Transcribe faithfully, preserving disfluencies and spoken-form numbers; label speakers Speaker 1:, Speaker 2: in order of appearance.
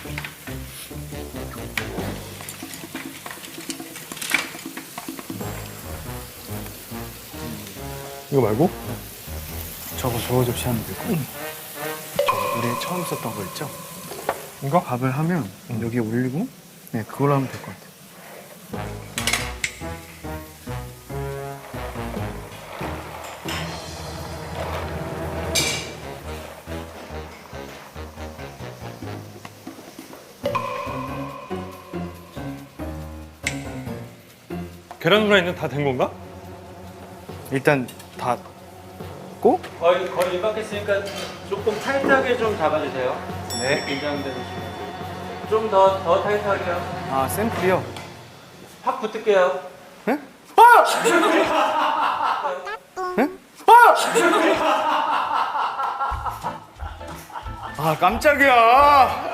Speaker 1: 이거 말고?
Speaker 2: 저거 저 접시 하면 되고. 응. 저거 우리 처음 썼던 거 있죠?
Speaker 1: 이거?
Speaker 2: 밥을 하면
Speaker 1: 응.
Speaker 2: 여기에 올리고 네 그걸로 하면 될 것 같아요.
Speaker 1: 계란 후라이는 다 된 건가?
Speaker 2: 일단 다 고?
Speaker 3: 거의 거의 임박했으니까 조금 타이트하게 좀 잡아주세요.
Speaker 2: 네.
Speaker 3: 긴장되는 좀더 더 타이트하게요.
Speaker 2: 아 샘플이요?
Speaker 3: 확 붙을게요.
Speaker 2: 네? 아! 네? 아! 아 깜짝이야.